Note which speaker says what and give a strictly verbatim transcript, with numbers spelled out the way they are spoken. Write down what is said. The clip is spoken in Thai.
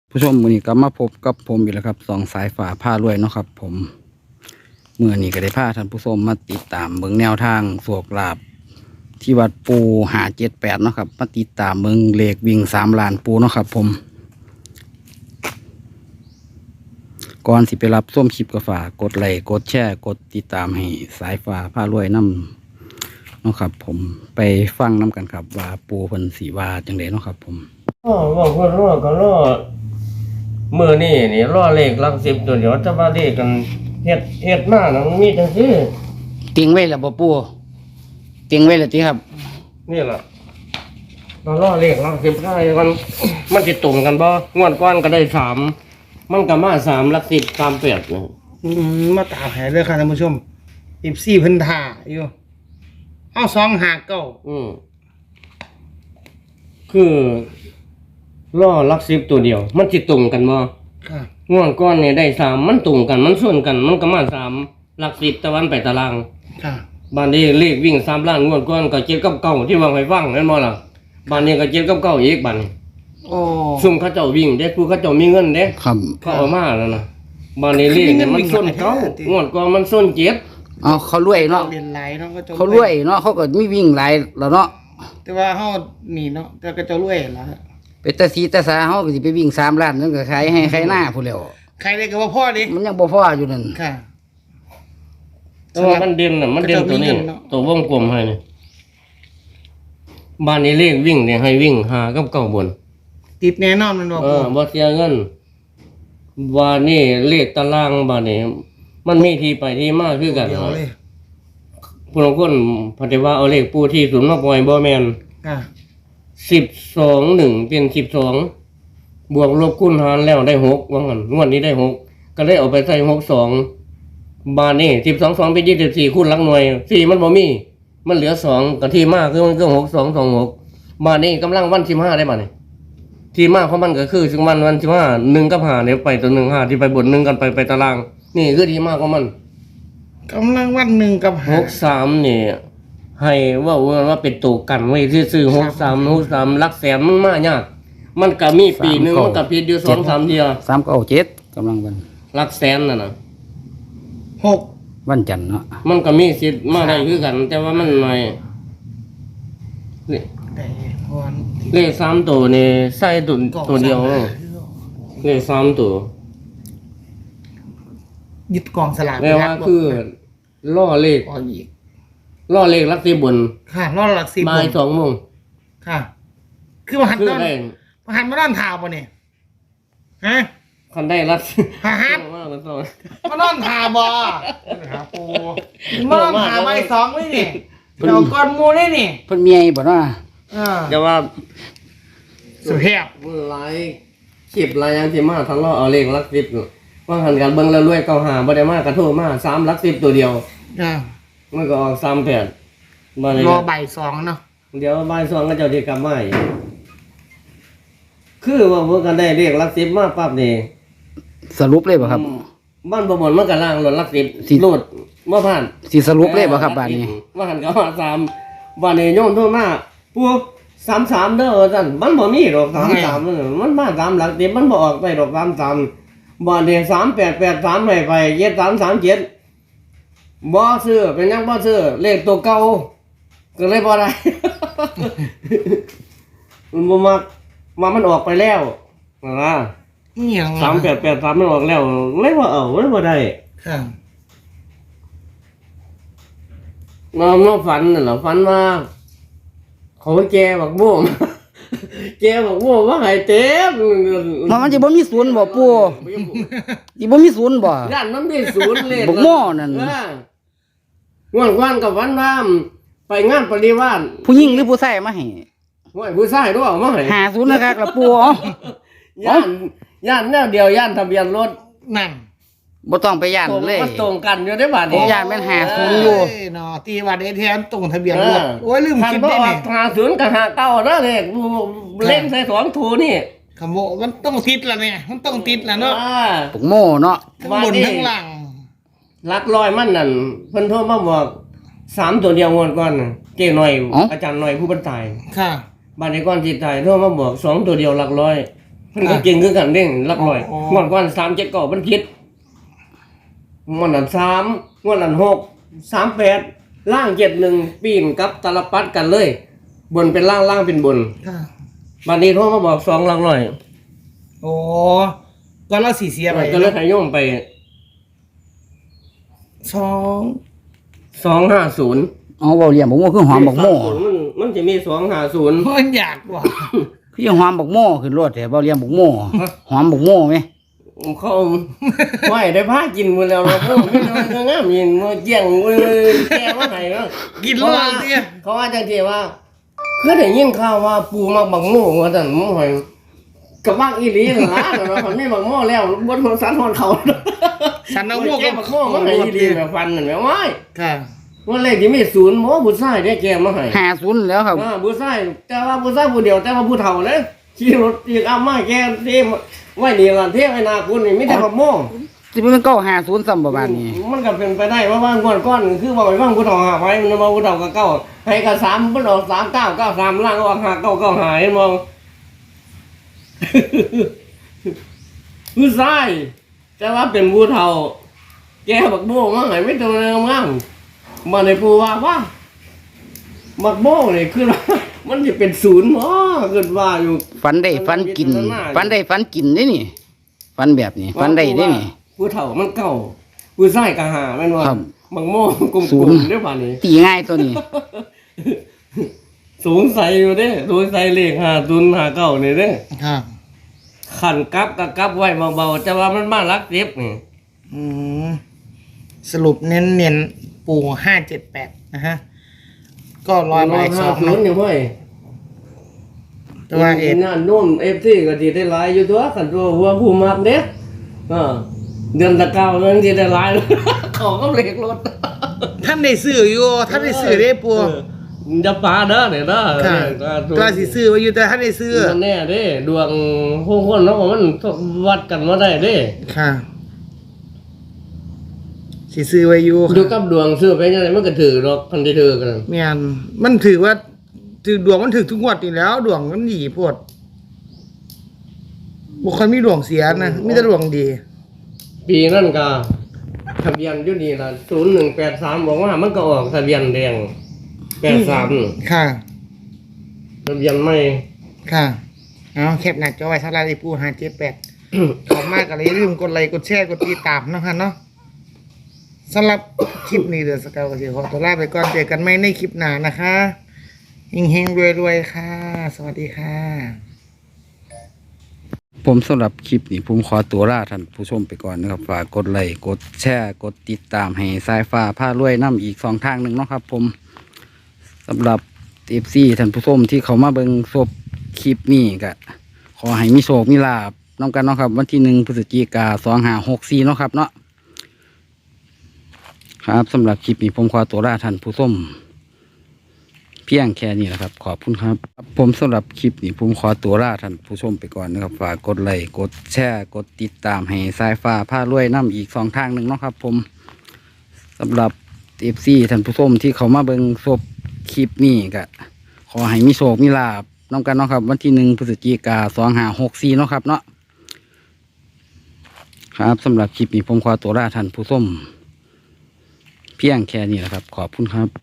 Speaker 1: ผู้ชมมื้อนี้ก็มาพบกับผมอีกแล้วครับสองสายฝาผ้ารวยเนาะครับผมมื้อนี้ก็ได้พาท่านผู้ชมมาติดตามเบิ่งแนวทางโชคลาภที่วัดปูห้าเจ็ดแปดเนาะครับมาติดตามเบิ่งเลขวิ่งสามล้านปูเนาะครับผมก่อนสิไปรับส้มคลิปก็ฝากกดไลค์กดแชร์กดติดตามให้สายฝาผ้ารวยนำเนาะครับผมไปฟังนํกันครับว่าปูเพิ่นสิว่าจังได๋เนาะครับผม
Speaker 2: อ๋อว่าเพิ่นรอก็รอมื้อนี้นี่รอเลขหลักสิบตัวเดียวแต่ว่าเลขกันเฮ็ดเฮ็ดมานั้นมีจังซี่
Speaker 1: ติงไว้แล้วบ่ปูติงไว้แล้วติครับ
Speaker 2: นี่ล่ะเรารอเลขหลักสิบได้มันมันสิตรงกันบ่งวดก่อนก็ได้สามมันก็มาสามหลักสิบสามแปดนะ
Speaker 3: อืมมาตามหาเลยค่ะท่านผู้ชมสิบสี่พันท่าอยู่เอาสองหาเก้า
Speaker 2: อืมคือรอหลักสิบตัวเดียว มันสิตรงกันบ่
Speaker 3: ค่ะ
Speaker 2: งวดก่อนนี่ได้สามมันตรงกันมันส่วนกัน มันก็มาสามหลักสิบตะวันไปตาราง
Speaker 3: ค่ะ
Speaker 2: บ้านนี้เลขวิ่งสามล้านงวดก่อนก็เจ็ดกับเก้าที่วางไว้ฟังนั่นบ่ล่ะบ้านนี้ก็เจ็ดกับเก้าอีกบ้านนี้
Speaker 3: โอ้
Speaker 2: ซุ่มเขาเจ้าวิ่งเด้ผู้เขาเจ้ามีเงินเด้
Speaker 1: ครับ
Speaker 2: เขาเอามาแล้วนะบ้านนี้เลขเนี่ยมันส้นเก้างวดก่อนมันส้นเจ็ด
Speaker 1: เอาเขารวยเนาะ
Speaker 3: เรียนหลายเนาะก็จะ
Speaker 1: เขารวยเนาะเขาก็มีวิ่งหลายแล้วเนาะ
Speaker 3: แต่ว่าเฮานี่เนาะแต่ก็จะรวยล่ะ
Speaker 1: เป็นตาสีตาสาเขาก็สิไปวิ่งสามล้านนั่นก็ขายให้ใครหน้าผู้นแหล้ว
Speaker 3: ใครได้ก็ว่าพ่อดิ
Speaker 1: มันยังบ่พออยู่นั่น
Speaker 3: ค่ะ
Speaker 2: แต่ว่ามันเด่นน่ะมันเด่นตัวนี้
Speaker 3: เขาเจ้ามีเงินเนาะ
Speaker 2: ตัววงกลมให้นี่บ้านนี้เลขวิ่งเนี่ยให้วิ่งหากับเก้าบน
Speaker 3: ติดแน่นอนมันบอก
Speaker 2: เออบ่เสียเงินบ้านนี้เลขตารางบ้านนี้มันมีที่ไปที่มาคือกัน
Speaker 3: เดียวเลย
Speaker 2: ผู้ลางคนพอดีว่าเอาเลขปูที่ศูนย์มาปล่อยบ่แม่น
Speaker 3: ค่ะ
Speaker 2: สิบสองหนึ่งเป็นสิบสองบวกลบคูณหารแล้วได้หกว่างั้นงวดนี้ได้หกก็เลยเอาไปใส่หกสองบาทนี่สิบสองสองเป็นยี่สิบสี่คูณหลักหน่วยสี่มันบ่มีมันเหลือสองกับที่มากคือมันคือหกสองสองหกบาทนี่กำลังวันสิบห้าได้บาทนี่ที่มากของมันก็คือถึงวันวันสิบห้าหนึ่งกับห้าเนี่ยไปตัวหนึ่งห้าที่ไปบนหนึ่งกันไปไปตาราง นี่คือที่มากของมัน
Speaker 3: กำลังวันหนึ่งกับ
Speaker 2: ห
Speaker 3: หาก
Speaker 2: สามนี่ให้ว่าว่าเป็นตัวกันไว้ซื้อหกสามหกสามลักแสนมันมากยากมันก็มีปีหนึ่งมันก็ผิดอยู่สองสามเดียว
Speaker 1: สามเก้าเจ็ดกำลังวัน
Speaker 2: ลักแสนน่ะนะ
Speaker 3: หก
Speaker 1: วันจันทร์เนาะ
Speaker 2: มันก็มีสิทธิ์มาได้คือกัน แต่ว่ามันหน่อยเล
Speaker 3: ได้วัน
Speaker 2: เลขสามตัวนี่ใส่ตัวตัวเดียว
Speaker 3: กล่องสลาก
Speaker 2: เลขสามตัว
Speaker 3: ยึดกองสลาก
Speaker 2: แปลว่าคือล่อเลข
Speaker 3: ก่ออีก
Speaker 2: ล่อเลขลักสิบบน
Speaker 3: ค่ะรอดหลักสิบ
Speaker 2: บ่ายสองโมง
Speaker 3: ค่ะ คือมาหัน
Speaker 2: คือ
Speaker 3: ด้าน
Speaker 2: ได้
Speaker 3: มาหันมาด้านเท้าป่ะเนี่ยฮะ
Speaker 2: คันได้ลัก
Speaker 3: หาฮัท
Speaker 2: ว่ามันต้อง
Speaker 3: มาด้านเท้าบ่หาปูมาด้านเท้าใบสองเลยนี่เดี๋ยวก้อนหมูเลยนี่
Speaker 1: เพิ่นมีไอ้บ่เนาะ
Speaker 3: อ่า
Speaker 2: จะว่า
Speaker 3: สุเพียบ
Speaker 2: ไลฟ์คลิปไลฟ์ยังที่มาทะเลาะเอาเลขลักสิบอยู่ว่าหันกันเบิ่งแล้วรวยเก้าหาบ่ได้มากระโทษมาสามลักสิบตัวเดียว
Speaker 3: อ่า
Speaker 2: มันก็ออกสามแปดบ่ได้
Speaker 3: รอใบสองเนาะ
Speaker 2: เดี๋ยวบ่ายสองก็เจ้าสิกลับมาอีกคือว่าเพิ่นก็ได้เลขลักสิบมาปั๊บนี่
Speaker 1: สรุปเลยบ่ครับ
Speaker 2: บ้านบ่หมดมันก็ล่างรถลักสิบ
Speaker 1: สิ
Speaker 2: โลดบ่ผ่าน
Speaker 1: สิสรุปเลยบ่ครับบ้านนี้
Speaker 2: ว่าหันก็ว่าสามบ้านนี้โยมโทรมาพวกสามสามเด้อว่าซั่นมันบ่มีดอกสามสามมันมาสามหลักสิบมันบ่ออกไปดอกสามสามบ้านนี้สามแปดแปดสามให้ไปเจ็ดสามสามเจ็ดบ่ซื้อเป็นหยังบ่ซื้อเลขตัวเก่าก็เลยบ่ได้ มันบ่มักว่ามันออกไปแล้วนะ
Speaker 3: นี่ยัง
Speaker 2: สามแปดแปดสามมันออกแล้วเลยว่าเอาเลยบ่ได้
Speaker 3: ค่ะ
Speaker 2: มามาฝันน่ะเหรอฝันว่าเขาแกบักม่วง แกบักม่วงว่าให้เต็ม
Speaker 1: มันมันสิบ่มีศูนย์บ่ปูสิบ่มีศูนย์บ่
Speaker 2: ย่านมันมีศูนย์เลย
Speaker 1: บักม่วงนั่น
Speaker 2: เออง่วนวันกับวันว่ามไปงานปริวาส
Speaker 1: ผู้หญิงหรือผู้ชายมาให้
Speaker 2: ห้วยผู้ชายด้วยเอามาให้
Speaker 1: หาศูนย์นะครับล่ะปูอ๋อย่
Speaker 2: านย่านแนวเดียวย่านทะเบียนรถ
Speaker 3: นั่น
Speaker 1: บ่ต้องไปย่าน
Speaker 2: ตรง
Speaker 1: เลย
Speaker 2: มันตรงกันอยู่ได้บาด
Speaker 1: ผม
Speaker 2: นี้
Speaker 1: ย่านแม่นหาศูนย์อยู่
Speaker 3: เอ้ยเนาะตีวัดเอทีเอ็มตรงทะเบียน
Speaker 2: เอ
Speaker 3: ร
Speaker 2: อ
Speaker 3: ถโอ้ยลืม
Speaker 2: คัน
Speaker 3: คิด
Speaker 2: บ่
Speaker 3: ได้
Speaker 2: อ
Speaker 3: ไง
Speaker 2: อกหาศูนย์กับหาเก้านะเลขเล่นใส่สองถูนี่
Speaker 3: ขโมยมันต้องติดละเนี่ยมันต้องติดละเนาะ
Speaker 2: อ่า
Speaker 1: ปุกโม่เนาะ
Speaker 3: ทั้งบนทั้งล่าง
Speaker 2: ลักลอยมันนั่นเพิ่นโทรมาบอกสามตัวเดียวงวดก่อนน่ะเจ้หน่อยอาจารย์หน่อยผู้บรรทาย
Speaker 3: ค่ะ
Speaker 2: บ้านในก้อนจิตใจโทรมาบอกสองตัวเดียวหลักร้อยมันก็เก่งคือกันเด้งรับหน่อย
Speaker 3: อ๋อ
Speaker 2: งวดก่อนสามเจ็ดเก้ามันผิดงวดนั้นสามงวดนั้นหกสามแปดล่างเจ็ดหนึ่งปีนกับตาลปัดกันเลย บนเป็นล่างล่างเป็นบน
Speaker 3: ค่ะ
Speaker 2: บัดนี้โทรมาบอกสองหลักหน่อย
Speaker 3: โอ้ก็เราสีเสียไป
Speaker 2: ก็เลยให้โยมไป
Speaker 3: สอง
Speaker 2: สองห้าศูนย์
Speaker 1: เอาเบาเรียมบอกโม่คือหอมบอกโม่
Speaker 2: มันมันจะมีสองห้าศูนย์
Speaker 3: มันอยากว่ะ
Speaker 1: คือยังหอมบอกโม่ขึ้นรถแต่เบาเรียมบอกโม่หอมบอกโม่ไหม
Speaker 2: เขาไม่ได้พากินหมดแล้วเราพวกนี้มันงามยินมาเจียงเลยแกว่าไงวะ
Speaker 3: กินเหล้าเนี่ย
Speaker 2: เขาว่าจังทีว่าคือได้ยินข่าวว่าปูมักบักโม่ว่าแต่หม้อหอยกับบักอีหลีเหรอนะเราทำไม่บักโม่แล้วบนหัวสันหอนเขา
Speaker 3: สันเอาหมวก
Speaker 2: แกบักโม่มาให้อีหลีแบบฟันนั่นแหละว้าย
Speaker 3: ค่ะ
Speaker 2: ว่าเลขที่มีศูนย์หมอผู้ชายได้แกมาให้
Speaker 1: ห้าศูนย์แล้วครับ
Speaker 2: อ่าผู้ชายแต่ว่าผู้ชายผู้เดียวแต่ว่าผู้เฒ่าเลยขี่รถอีกเอามาแกเทไว้นี่ล่ะเทไว้นาคุณนี่ไม่ได้บักโม่
Speaker 1: จะเป็นเก้าห้าศูนย์ซ้ำประมาณนี้
Speaker 2: มันก็เป็นไปได้ว่าว่างก้อนก้อนคือบอกไว้ว่างผู้เฒ่าหาไว้มันมาผู้เฒ่าก็เก้าให้กับสามมันออกสามเก้าเก้าสามล่างออกหาเก้าเก้าหายมอง ผู้ชายแต่ว่าเป็นผู้เฒ่า แกบักโบ้มาใหายไม่ตัวงามๆมาในผู้ว่าว่าบักโบ้นี่คือ มันจะเป็นศูนย์หมอเกิดว่าอยู่
Speaker 1: ฟันได้ฟันกิน ฟันได้ฟันกินได้นี่ ฟันแบบนี้ฟันได้ได้นี่
Speaker 2: ผู้เฒ่ามันเก่าผู้ชายก็หาแม่นว่า
Speaker 1: ครับ
Speaker 2: บักโม่กล
Speaker 1: ศู
Speaker 2: ม
Speaker 1: นย์
Speaker 2: ๆได้ป่านนี้
Speaker 1: ตีง่ายตัวนี้
Speaker 2: สูงใสอยู่เด้สูงใสเลขหาตุนหาเก้านี่เด้
Speaker 3: ค่ะ
Speaker 2: ขันกลับก็กลับไว้เบาๆแต่ว่ามันมารักเจ็บนี่
Speaker 3: อืมสรุปเน้นเน้นๆปูห้าเจ็ดแปดนะฮะ ก็ร้อยใบสอง
Speaker 2: ศูนย์อยู่เว้ย
Speaker 3: แต่ว่าเอ็ด
Speaker 2: งานนุ่มเอฟซีก็สิได้หลายอยู่ตัวขันตัวหัวผู้มักเด้เออเดือนตะเก้ามันสิได้หลาย ของก็เลขรถ
Speaker 3: ท่านได้ซื้ออยู่ท่านได้ซื้อได้ปู
Speaker 2: เออจะปาเด้อเนี่ยเด้อ
Speaker 3: ค่ะ
Speaker 2: เนี่ย
Speaker 3: ตัวสิซื้อไว้อยู่แต่ท่านได้ซื้อ
Speaker 2: มันแน่เด้ดวงผู้คนเนาะมันวัดกันมาได้เด้
Speaker 3: ค่ะสิซื้อไว้อยู่
Speaker 2: ดูกับดวงซื้อไปยังไงมันก็ถือดอกพันที่ถือกัน
Speaker 3: เมียนมันถือว่าถือดวงมันถือทุกงวดอยู่แล้ว ดวงมันดีโพดบุคคลมีดวงเสียนะมีแต่ดวงดี
Speaker 2: ปีนั่นก็ทะเบียนอยู่นี่ล่ะศูนย์หนึ่งแปดสามบอกว่ามันก็ออกทะเบียนแดงแปดสาม
Speaker 3: ค่ะ
Speaker 2: ทะเบียนไม่
Speaker 3: ค่ะเอาแคปหนักจอไว้สำหรับไอ้ปูห้าเจ็ดแปดขอบมากอะไรลืมกดไลค์กดแชร์กดติดตามนะคะเนาะสำหรับคลิปนี้เดือนสกาวก็สิขอตัวลาไปก่อนเจอกันใหม่ในคลิปหน้านะคะเฮงๆรวยๆค่ะ สวัสดีค่ะ
Speaker 1: ผมสำหรับคลิปนี้ผมขอตัวลาท่านผู้ชมไปก่อนนะครับฝากกดไลค์กดแชร์กดติดตามให้สายฟ้าผ้ารวยน้ำอีกสองทางหนึ่งเนาะครับ ผมสำหรับเอฟซีท่านผู้ชมที่เขามาเบิ่งศพคลิปนี้ก็ขอให้มีโชคมีลาบน้องกันเนาะครับวันที่หนึ่งพฤศจิกาสองห้าหกสี่เนาะครับเนาะครับสำหรับคลิปนี้ผมขอตัวลาท่านผู้ชมเพียงแค่นี้แหละครับขอบคุณครับผมสำหรับคลิปนี้ผมขอตัวลาท่านผู้ชมไปก่อนนะครับฝากกดไลค์กดแชร์กดติดตามให้สายฟ้าผ้ารวยน้ำอีกสองทางหนึ่งเนาะครับ ผมสำหรับเอฟซีท่านผู้ชมที่เขามาเบิ่งศพคลิปนี้ก็ขอให้มีโชคมีลาบน้องกันเนาะครับวันที่หนึ่งพฤศจิกาสองห้าหกสี่เนาะครับเนาะครับสำหรับคลิปนี้ผมขอตัวลาท่านผู้ชมเพียงแค่นี้แหละครับขอบคุณครับ